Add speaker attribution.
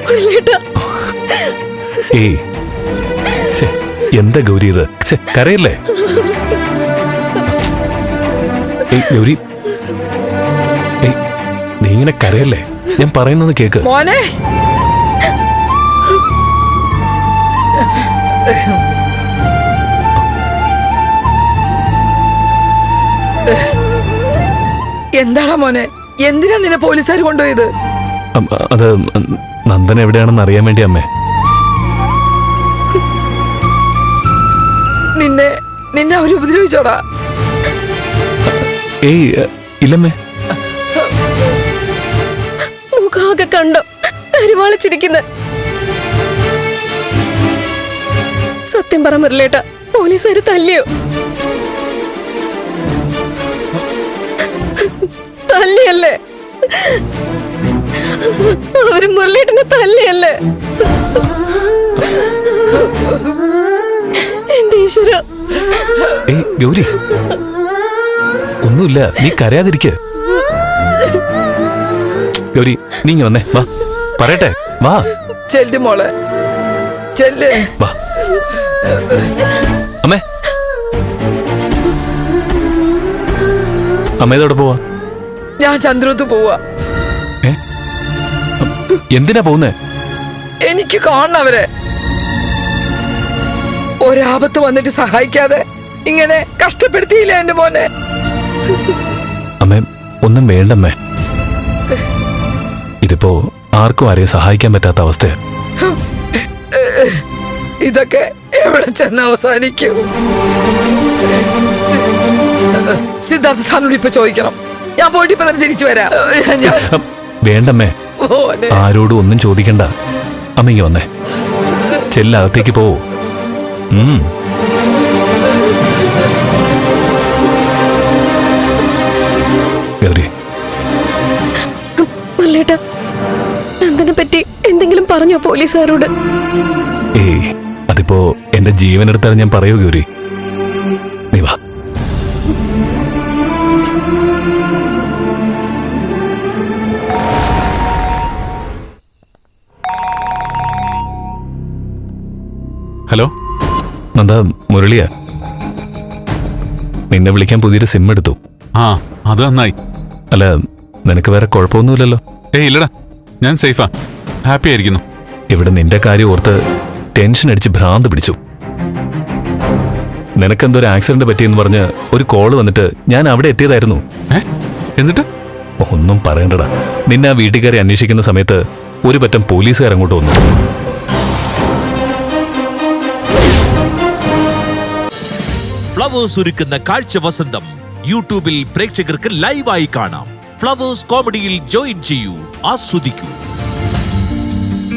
Speaker 1: ഏയ് എന്താ ഗൗരി ഇത്? കരയല്ലേ? ഏയ് ഗൗരി, ഏയ് നീ ഇങ്ങനെ കരയല്ലേ? ഞാൻ പറയുന്നത് കേക്ക്.
Speaker 2: മോനെ എന്താടാ മോനെ, എന്തിനാ നിന്നെ പോലീസുകാർ കൊണ്ടുപോയത്?
Speaker 1: അത് നന്ദൻ എവിടെയാണെന്ന് അറിയാൻ വേണ്ടി അമ്മേ.
Speaker 2: നിന്നെ അവര് ഉപദ്രവിച്ചോടാ?
Speaker 1: ഏയ് ഇല്ലമ്മേ.
Speaker 3: മുഖാകെ കണ്ടോ കരുവാളിച്ചിരിക്കുന്ന? സത്യം പറ മുരളേട്ട, പോലീസുകാര് തല്ലിയോ? തല്ലിയല്ലേ? അവര് മുരളേട്ടനെ തല്ലിയല്ലേ? എന്റെ ഈശ്വര.
Speaker 1: ഏയ് ഗൗരി, ഒന്നുമില്ല, നീ കരയാതിരിക്ക. ഗൗരി, നീ ഇങ്ങ് വന്നേ, വാ പറയട്ടെ, വാ.
Speaker 2: ചെല്ല് മോളെ, ചെല്ല്.
Speaker 1: വാ അമ്മേ. അമ്മേതോടെ പോവാ?
Speaker 2: ഞാൻ ചന്ദ്രത്ത് പോവാ.
Speaker 1: എന്തിനാ പോകുന്നേ?
Speaker 2: എനിക്ക് കാണണം അവരെ. ഒരാപത്ത് വന്നിട്ട് സഹായിക്കാതെ ഇങ്ങനെ കഷ്ടപ്പെടുത്തിയില്ല എന്റെ മോനെ.
Speaker 1: അമ്മേ ഒന്നും വേണ്ടമ്മേ, ഇതിപ്പോ ആർക്കും ആരെയും സഹായിക്കാൻ പറ്റാത്ത അവസ്ഥയാ.
Speaker 2: ഇതൊക്കെ എവിടെ ചെന്ന് അവസാനിക്കും? സിദ്ധാർത്ഥ സാറിനോട് ഇപ്പൊ ചോദിക്കണം. ഞാൻ പോയിട്ട് ഇപ്പൊ തന്നെ തിരിച്ചു വരാം.
Speaker 1: വേണ്ടമ്മേ, ആരോടും ഒന്നും ചോദിക്കണ്ട. അമ്മയ്ക്ക് വന്നേ, ചെല്ലകത്തേക്ക് പോവൂ. ഗൗരി,
Speaker 3: നന്ദനെ പറ്റി എന്തെങ്കിലും പറഞ്ഞോ പോലീസുകാരോട്?
Speaker 1: ഏയ് അതിപ്പോ എന്റെ ജീവനെടുത്താൽ ഞാൻ പറയൂ ഗൗരി. നീ വാ.
Speaker 4: ഹലോ
Speaker 1: നന്ദ, മുരളിയാ. നിന്നെ വിളിക്കാൻ പുതിയൊരു സിം എടുത്തു.
Speaker 4: ആ, അത് നന്നായി.
Speaker 1: അല്ല, നിനക്ക് വേറെ കുഴപ്പമൊന്നുമില്ലല്ലോ?
Speaker 4: ഏയ് ഇല്ലടാ, ഞാൻ സേഫാ, ഹാപ്പി ആയിരിക്കുന്നു.
Speaker 1: ഇവിടെ നിന്റെ കാര്യം ഓർത്ത് ടെൻഷൻ അടിച്ച് ഭ്രാന്ത് പിടിച്ചു. നിനക്കെന്തോ ഒരു ആക്സിഡന്റ് പറ്റിയെന്ന് പറഞ്ഞ് ഒരു കോള് വന്നിട്ട് ഞാൻ അവിടെ എത്തിയതായിരുന്നു.
Speaker 4: എന്നിട്ട്?
Speaker 1: ഒന്നും പറയണ്ടടാ. നിന്നെ ആ വീട്ടിൽ കയറി അന്വേഷിക്കുന്ന സമയത്ത് ഒരു പറ്റം പോലീസുകാർ അങ്ങോട്ട് വന്നു.
Speaker 5: ഫ്ലവേഴ്സ് ഒരുക്കുന്ന കാഴ്ച വസന്തം യൂട്യൂബിൽ പ്രേക്ഷകർക്ക് ലൈവായി കാണാം. ഫ്ലവേഴ്സ് കോമഡിയിൽ ജോയിൻ ചെയ്യൂ, ആസ്വദിക്കൂ.